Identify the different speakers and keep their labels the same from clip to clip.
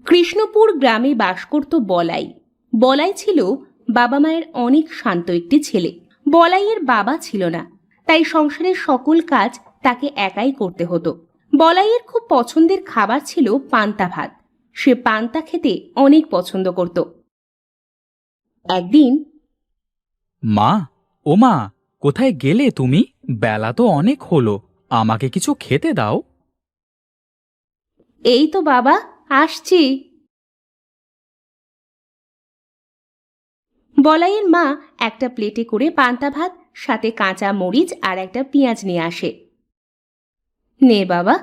Speaker 1: কৃষ্ণপুর গ্রামে বাস করত বলাই। বলাই ছিল বাবা মায়ের অনেক শান্ত একটি ছেলে। বলাইয়ের বাবা ছিল না, তাই সংসারের সকল কাজ তাকে একাই করতে হতো। বলাইয়ের খুব পছন্দের খাবার ছিল পান্তা ভাত। সে পান্তা খেতে অনেক পছন্দ করত। একদিন,
Speaker 2: মা, ও মা, কোথায় গেলে তুমি? বেলা তো অনেক হলো, আমাকে কিছু খেতে দাও।
Speaker 1: এই তো বাবা, আসছি। বলাইয়ের মা একটা প্লেটে করে পান্তা ভাত, সাথে কাঁচা মরিচ আর একটা পেঁয়াজ নিয়ে আসে। নে বাবা,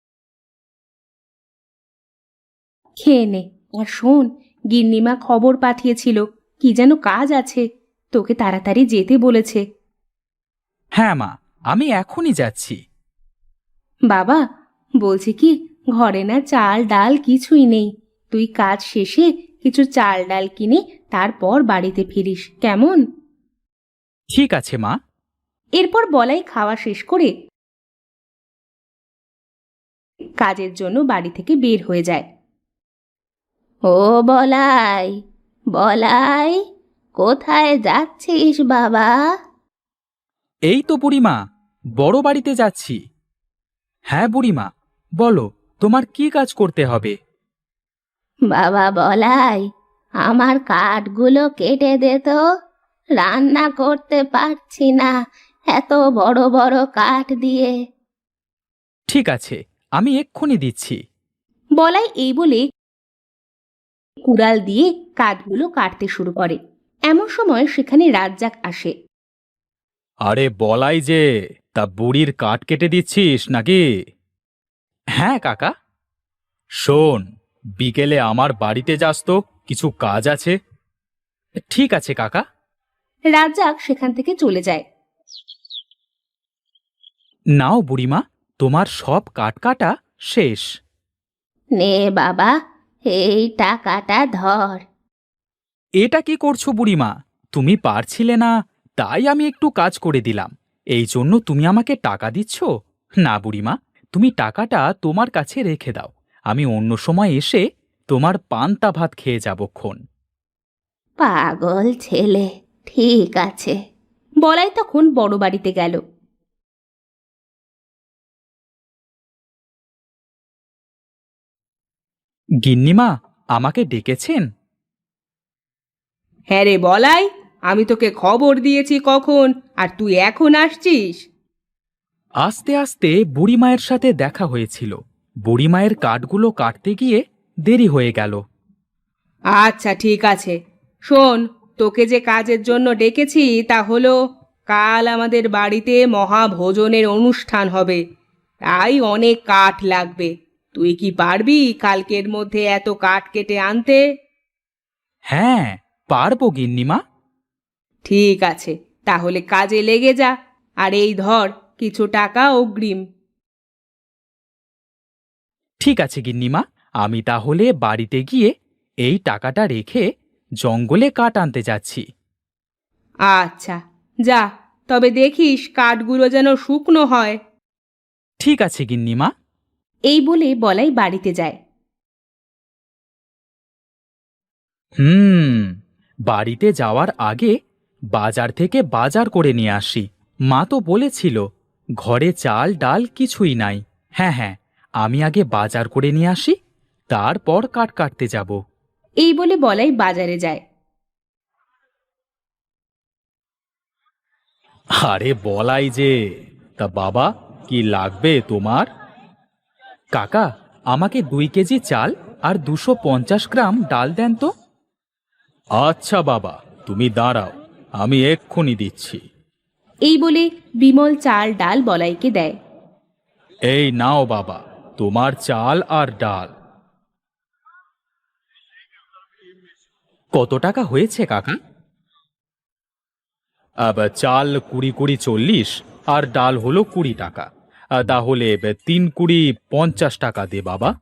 Speaker 1: খেয়ে নে। আর শোন, গিন্নিমা খবর পাঠিয়েছিল, কি যেন কাজ আছে, তোকে তাড়াতাড়ি যেতে বলেছে।
Speaker 2: হ্যাঁ মা, আমি এখনই যাচ্ছি।
Speaker 1: বাবা, বলছি কি, ঘরে না চাল ডাল কিছুই নেই। তুই কাজ শেষে কিছু চাল ডাল কিনে তারপর বাড়িতে ফিরিস, কেমন?
Speaker 2: ঠিক আছে মা।
Speaker 1: এরপর বলাই খাওয়া শেষ করে কাজের জন্য বাড়ি থেকে বের হয়ে যায়। ও বলাই, বলাই, কোথায় যাচ্ছিস বাবা?
Speaker 2: এই তো বুড়িমা, বড় বাড়িতে যাচ্ছি। হ্যাঁ বুড়িমা, বলো, তোমার কি কাজ করতে হবে?
Speaker 1: বাবা বলাই, আমার কাঠগুলো কেটে দে তো, রান্না করতে পারছি না এত বড় বড় কাঠ দিয়ে।
Speaker 2: ঠিক আছে, আমি এক্ষুনি দিচ্ছি।
Speaker 1: বলাই এই বলে কুড়াল দিয়ে কাঠগুলো কাটতে শুরু করে। এমন সময় সেখানে রাজ্জাক আসে।
Speaker 2: আরে বলাই যে, তা বুড়ির কাঠ কেটে দিচ্ছিস নাকি? হ্যাঁ কাকা। শোন, বিকেলে আমার বাড়িতে যাস তো, কিছু কাজ আছে। ঠিক আছে কাকা।
Speaker 1: রাজ্জাক সেখান থেকে চলে যায়।
Speaker 2: নাও বুড়িমা, তোমার সব কাঠ কাটা শেষ।
Speaker 1: নে বাবা, এই টাকাটা ধর।
Speaker 2: এটা কি করছো বুড়িমা? তুমি পারছিলে না, তাই আমি একটু কাজ করে দিলাম, এই জন্য তুমি আমাকে টাকা দিচ্ছ? না বুড়িমা, তুমি টাকাটা তোমার কাছে রেখে দাও, আমি অন্য সময় এসে তোমার পান্তা ভাত খেয়ে যাবক্ষণ।
Speaker 1: পাগল ছেলে, ঠিক আছে। বলাই তখন বড় বাড়িতে গেল।
Speaker 2: গিন্নিমা, আমাকে ডেকেছেন?
Speaker 1: হ্যাঁ রে বলাই, আমি তোকে খবর দিয়েছি কখন, আর তুই এখন আসছিস?
Speaker 2: আস্তে আস্তে বুড়িমায়ের সাথে দেখা হয়েছিল, বুড়িমায়ের কাঠগুলো কাটতে গিয়ে দেরি হয়ে গেল।
Speaker 1: আচ্ছা ঠিক আছে, শোন, তোকে যে কাজের জন্য ডেকেছি তা হলো, কাল আমাদের বাড়িতে মহাভোজনের অনুষ্ঠান হবে, তাই অনেক কাঠ লাগবে। তুই কি পারবি কালকের মধ্যে এত কাঠ কেটে আনতে?
Speaker 2: হ্যাঁ, পারবো গিন্নিমা।
Speaker 1: ঠিক আছে, তাহলে কাজে লেগে যা। আর এই ধর কিছু টাকা অগ্রিম।
Speaker 2: ঠিক আছে গিন্নিমা, আমি তাহলে বাড়িতে গিয়ে এই টাকাটা রেখে জঙ্গলে কাঠ আনতে যাচ্ছি।
Speaker 1: আচ্ছা, যা, তবে দেখিস কাঠগুলো যেন শুকনো হয়।
Speaker 2: ঠিক আছে গিন্নিমা।
Speaker 1: এই বলে বলাই বাড়িতে যায়।
Speaker 2: হুম, বাড়িতে যাওয়ার আগে বাজার থেকে বাজার করে নিয়ে আসি। মা তো বলেছিল ঘরে চাল ডাল কিছুই নাই। হ্যাঁ হ্যাঁ, আমি আগে বাজার করে নিয়ে আসি, তারপর কাঠ কাটতে যাব।
Speaker 1: এই বলে বলাই বাজারে যায়।
Speaker 2: আরে বলাই যে, তা বাবা, কি লাগবে তোমার? কাকা, আমাকে 2 কেজি চাল আর 250 গ্রাম ডাল দেন তো। আচ্ছা বাবা, তুমি দাঁড়াও, আমি এক্ষুনি দিচ্ছি।
Speaker 1: এই বলে বিমল চাল ডাল বলাইকে দেয়।
Speaker 2: এই নাও বাবা, তোমার চাল আর ডাল। কত টাকা হয়েছে কাকা? চাল 20 20 40, আর ডাল হলো 20 টাকা। তাহলে 3 20 50 টাকা দে বাবা।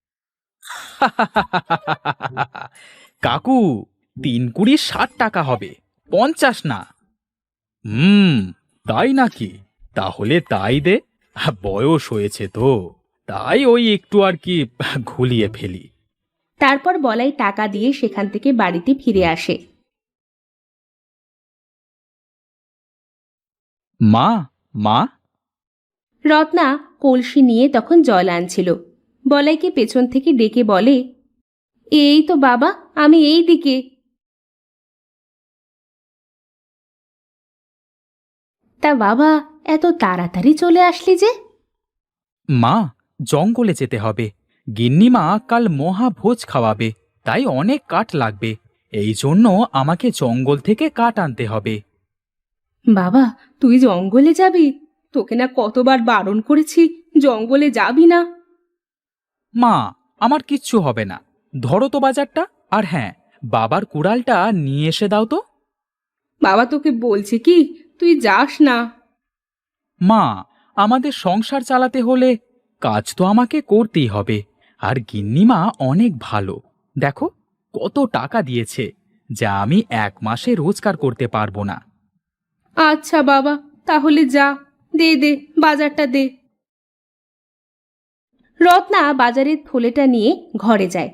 Speaker 2: কাকু, 3 20 60 টাকা হবে, 50 না। হুম, তাই নাকি? তাহলে তাই দে, বয়স হয়েছে তো, তাই ওই একটু আর কি ঘুলিয়ে ফেলি।
Speaker 1: তারপর বলাই টাকা দিয়ে সেখান থেকে বাড়িতে ফিরে আসে।
Speaker 2: মা, মা।
Speaker 1: রত্না কলসি নিয়ে তখন জল আনছিল। বলাইকে পেছন থেকে ডেকে বলে, এই তো বাবা, আমি এই দিকে। তা বাবা, এত তাড়াতাড়ি চলে আসলি যে?
Speaker 2: মা, জঙ্গলে যেতে হবে। গিন্নিমা কাল মহাভোজ খাওয়াবে, তাই অনেক কাঠ লাগবে। এই জন্য আমাকে জঙ্গল থেকে কাঠ আনতে হবে।
Speaker 1: বাবা, তুই জঙ্গলে যাবি? তোকে না কতবার বারণ করেছি জঙ্গলে যাবি না।
Speaker 2: মা, আমার কিচ্ছু হবে না। ধরো তো বাজারটা, আর হ্যাঁ, বাবার কুড়ালটা নিয়ে এসে দাও তো।
Speaker 1: বাবা, তোকে বলছি কি, তুই যাস না।
Speaker 2: মা, আমাদের সংসার চালাতে হলে কাজ তো আমাকে করতেই হবে। আর গিন্নিমা অনেক ভালো, দেখো কত টাকা দিয়েছে, যা আমি 1 মাসে রোজগার করতে পারবো না।
Speaker 1: আচ্ছা বাবা, তাহলে যা, দে দে, বাজারটা দে। রত্না বাজারের থলেটা নিয়ে ঘরে যায়।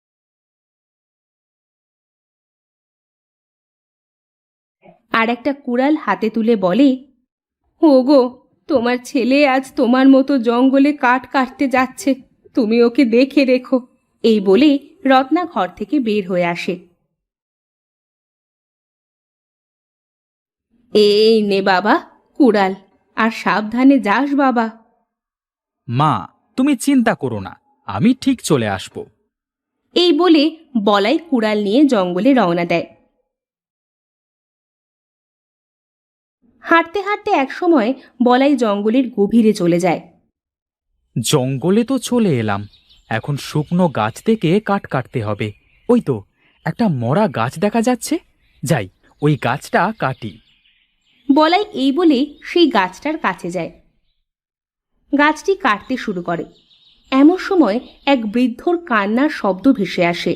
Speaker 1: আর একটা কুড়াল হাতে তুলে বলে, ওগো, তোমার ছেলে আজ তোমার মতো জঙ্গলে কাঠ কাটতে যাচ্ছে, তুমি ওকে দেখে রেখো। এই বলে রত্না ঘর থেকে বের হয়ে আসে। এই নে বাবা কুড়াল, আর সাবধানে যাস বাবা।
Speaker 2: মা, তুমি চিন্তা করো না, আমি ঠিক চলে আসব।
Speaker 1: এই বলে বলাই কুড়াল নিয়ে জঙ্গলে রওনা দেয়। হাঁটতে হাঁটতে একসময় বলাই জঙ্গলের গভীরে চলে যায়।
Speaker 2: জঙ্গলে তো চলে এলাম, এখন শুকনো গাছ থেকে কাঠ কাটতে হবে। ওই তো একটা মরা গাছ দেখা যাচ্ছে, যাই ওই গাছটা কাটি।
Speaker 1: বলাই এই বলে সেই গাছটার কাছে যায়। গাছটি কাটতে শুরু করে। এমন সময় এক বৃদ্ধর কান্নার শব্দ ভেসে আসে।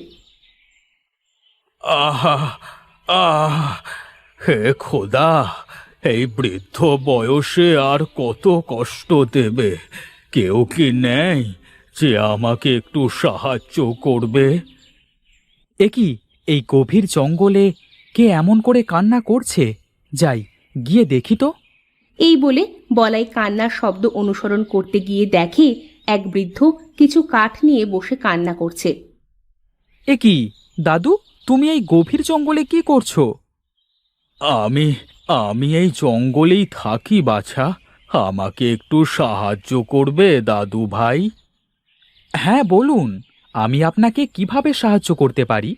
Speaker 2: আহা, আহ, হে খোদা, এই বৃদ্ধ বয়সে আর কত কষ্ট দেবে? কেউ কি নেই যে আমাকে একটু সাহায্য করবে? এ কি, এই গভীর জঙ্গলে কে এমন করে কান্না করছে? যাই, গিয়ে দেখি তো।
Speaker 1: এই বলে বলাই কান্নার শব্দ অনুসরণ করতে গিয়ে দেখে এক বৃদ্ধ কিছু কাঠ নিয়ে বসে কান্না করছে।
Speaker 2: এ কি দাদু, তুমি এই গভীর জঙ্গলে কি করছো? আমি আমি এই জঙ্গলেই থাকি বাছা, আমাকে একটু সাহায্য করবে দাদু ভাই? হ্যাঁ বলুন, আমি আপনাকে কিভাবে সাহায্য করতে পারি?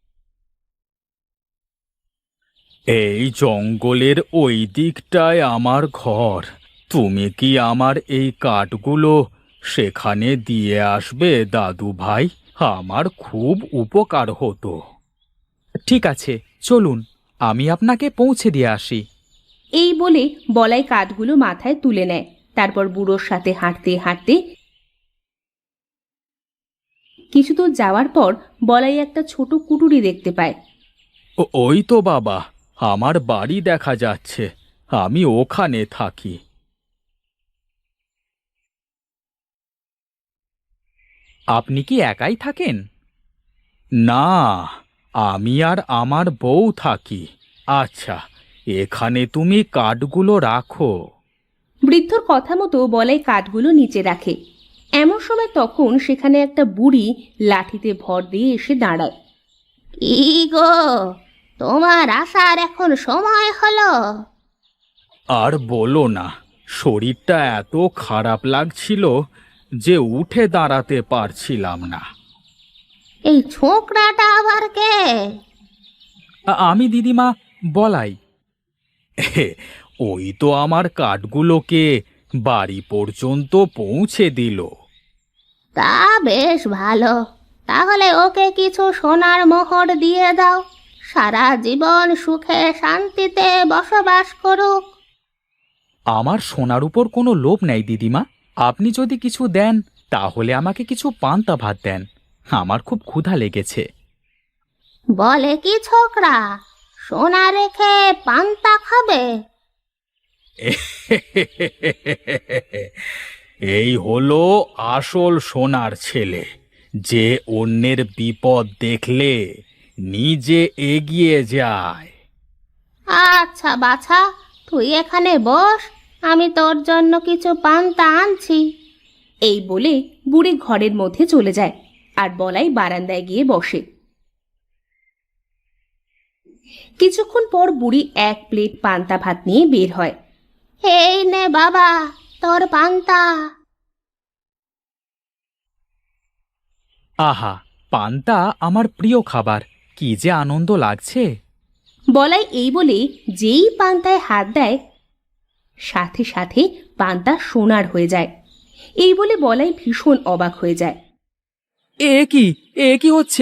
Speaker 2: এই জঙ্গলের ওই দিকটায় আমার ঘর। তুমি কি আমার এই কাঠগুলো সেখানে দিয়ে আসবে দাদু ভাই? আমার খুব উপকার হতো। ঠিক আছে, চলুন, আমি আপনাকে পৌঁছে দিয়ে আসি।
Speaker 1: এই বলে বলাই কাঠগুলো মাথায় তুলে নেয়। তারপর বুড়োর সাথে হাঁটতে হাঁটতে কিছু দূর যাওয়ার পর বলাই একটা ছোট কুটুরি দেখতে পায়।
Speaker 2: ওই তো বাবা, আমার বাড়ি দেখা যাচ্ছে, আমি ওখানে থাকি। আপনি কি একাই থাকেন? না, আমি আর আমার বউ থাকি। আচ্ছা, এখানে তুমি কাঠগুলো রাখো।
Speaker 1: বৃদ্ধর কথা মতো বলাই কাঠগুলো নিচে রাখে। এমন সময় তখন সেখানে একটা বুড়ি লাঠিতে ভর দিয়ে এসে দাঁড়ায়। কি গো, তোমার আসার এখন সময় হলো?
Speaker 2: আর বলো না, শরীরটা এত খারাপ লাগছিল যে উঠে দাঁড়াতে পারছিলাম না।
Speaker 1: এই ছোকরাটা আবার কে?
Speaker 2: আমি দিদিমা, বলাই। ওই তো আমার কাঠগুলোকে বাড়ি পর্যন্ত পৌঁছে দিল।
Speaker 1: তা বেশ ভালো, তাহলে ওকে কিছু সোনার মোহর দিয়ে দাও, সারা জীবন সুখে শান্তিতে বসবাস করুক।
Speaker 2: আমার সোনার উপর কোনো লোভ নেই দিদিমা, আপনি যদি কিছু দেন তাহলে আমাকে কিছু পান্তা ভাত দেন, আমার খুব ক্ষুধা লেগেছে।
Speaker 1: বলে কি ছোকরা, সোনা রেখে পান্তা খাবে?
Speaker 2: এই হলো আসল সোনার ছেলে, যে অন্যের বিপদ দেখলে নিজে এগিয়ে যায়।
Speaker 1: আচ্ছা বাছা, তুই এখানে বস, আমি তোর জন্য কিছু পান্তা আনছি। এই বলে বুড়ি ঘরের মধ্যে চলে যায় আর বলাই বারান্দায় গিয়ে বসে। কিছুক্ষণ পর বুড়ি এক প্লেট পান্তা ভাত নিয়ে বের হয়। এই নে বাবা, তোর পান্তা।
Speaker 2: আহা, পান্তা আমার প্রিয় খাবার, কি যে আনন্দ লাগছে।
Speaker 1: বলাই এই বলে যেই পান্তায় হাত দেয়, সাথে সাথে পান্তা সোনার হয়ে যায়। এই বলে বলাই ভীষণ অবাক হয়ে যায়।
Speaker 2: এ কি হচ্ছে?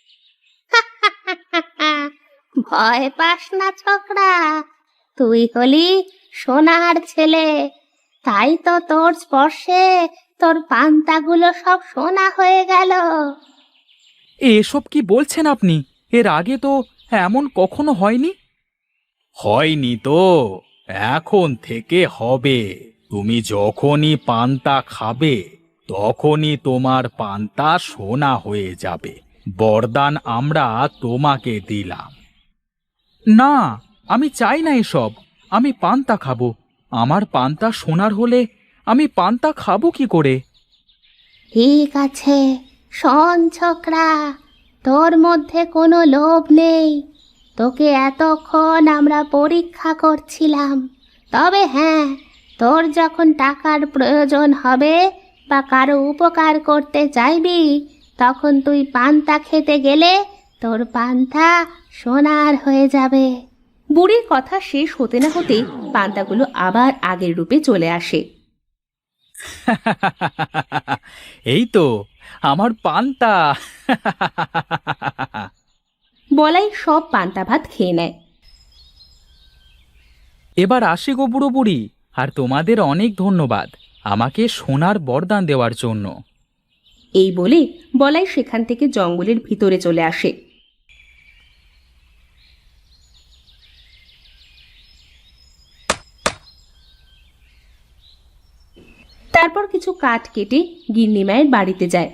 Speaker 1: ভয় পাস না ছোকরা, তুই হলি সোনার ছেলে, তাই তো তোর স্পর্শে তোর পান্তাগুলো সব সোনা হয়ে গেল।
Speaker 2: এসব কি বলছেন আপনি? এর আগে তো এমন কখনো হয়নি। হয়নি তো, এখন থেকে হবে। তুমি যখনই পান্তা খাবে তখনই তোমার পান্তা সোনা হয়ে যাবে। বরদান আমরা তোমাকে দিলাম। না, আমি চাই না এসব। আমি পান্তা খাবো। আমার পান্তা সোনার হলে আমি পান্তা খাবো কি করে?
Speaker 1: ঠিক আছে, শোন ছোকরা, তোর মধ্যে কোনো লোভ নেই। তোকে এতক্ষণ আমরা পরীক্ষা করছিলাম। তবে হ্যাঁ, তোর যখন টাকার প্রয়োজন হবে বা কারো উপকার করতে চাইবি, তখন তুই পান্তা খেতে গেলে তোর পান্তা সোনার হয়ে যাবে। বুড়ির কথা শেষ হতে না হতেই পান্তাগুলো আবার আগের রূপে চলে আসে।
Speaker 2: এই তো আমার পান্তা।
Speaker 1: বলাই সব পান্তা ভাত খেয়ে নেয়।
Speaker 2: এবার আসি গো বুড়ো বুড়ি, আর তোমাদের অনেক ধন্যবাদ আমাকে সোনার বরদান দেওয়ার জন্য।
Speaker 1: এই বলে বলাই সেখান থেকে জঙ্গলের ভিতরে চলে আসে। তারপর কিছু কাঠ কেটে গিন্নিমায়ের বাড়িতে যায়।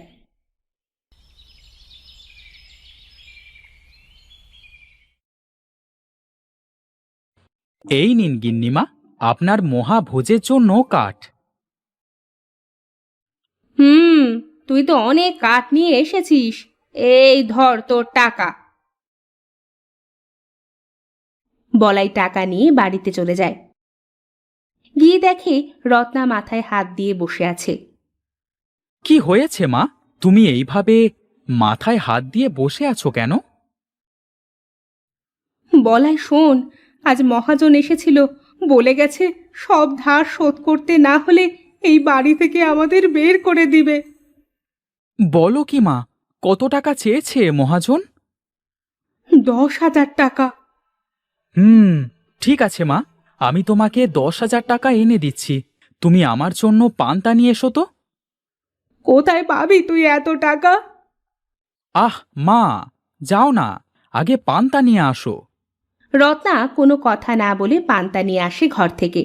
Speaker 2: এই নিন গিন্নিমা, আপনার মহাভোজের জন্য কাঠ।
Speaker 1: তুই তো অনেক কাঠ নিয়ে এসেছিস, এই ধর তোর টাকা। বলাই টাকা নিয়ে বাড়িতে চলে যায়। গিয়ে দেখে রত্না মাথায় হাত দিয়ে বসে আছে।
Speaker 2: কি হয়েছে মা? তুমি এইভাবে মাথায় হাত দিয়ে বসে আছো কেন?
Speaker 1: বলাই শোন, আজ মহাজন এসেছিল, বলে গেছে সব ধার শোধ করতে না হলে এই বাড়ি থেকে আমাদের বের করে দিবে।
Speaker 2: বলো কি মা, কত টাকা চেয়েছে মহাজন?
Speaker 1: 10,000 টাকা।
Speaker 2: ঠিক আছে মা, আমি তোমাকে 10,000 টাকা এনে দিচ্ছি। তুমি আমার জন্য পান্তা নিয়ে এসো তো।
Speaker 1: কোথায় পাবি তুই এত টাকা?
Speaker 2: আহ মা, যাও না, আগে পান্তা নিয়ে আসো।
Speaker 1: রত্না কোনো কথা না বলে পান্তা নিয়ে আসে ঘর থেকে।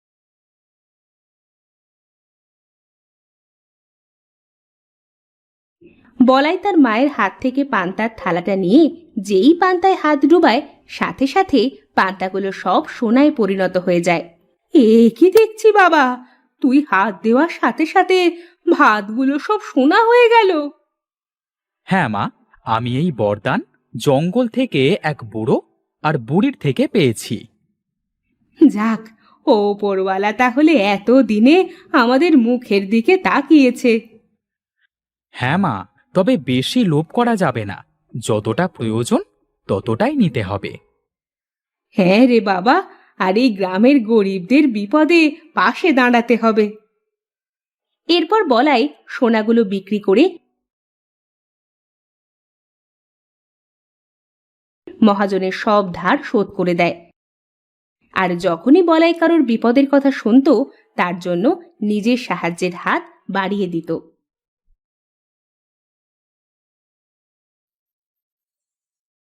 Speaker 1: বলাই তার মায়ের হাত থেকে পান্তার থালাটা নিয়ে যেই পান্তায় হাত ডুবায়, সাথে সাথে পান্তাগুলো সব সোনায় পরিণত হয়ে যায়। এ কি দেখছি বাবা, তুই হাত দেওয়ার সাথে সাথে ভাতগুলো সব সোনা হয়ে গেল।
Speaker 2: হ্যাঁ মা, আমি এই বরদান জঙ্গল থেকে এক বুড়ো আর বুড়ির থেকে পেয়েছি।
Speaker 1: যাক, ওপরওয়ালা তাহলে এত দিনে আমাদের মুখের দিকে তাকিয়েছে।
Speaker 2: হ্যাঁ মা, তবে বেশি লোভ করা যাবে না। যতটা প্রয়োজন ততটাই নিতে হবে।
Speaker 1: হ্যাঁ রে বাবা, আর এই গ্রামের গরিবদের বিপদে পাশে দাঁড়াতে হবে। এরপর বলাই সোনাগুলো বিক্রি করে মহাজনের সব ধার শোধ করে দেয়। আর যখনই বলাই কারোর বিপদের কথা শুনতো, তার জন্য নিজের সাহায্যের হাত বাড়িয়ে দিত।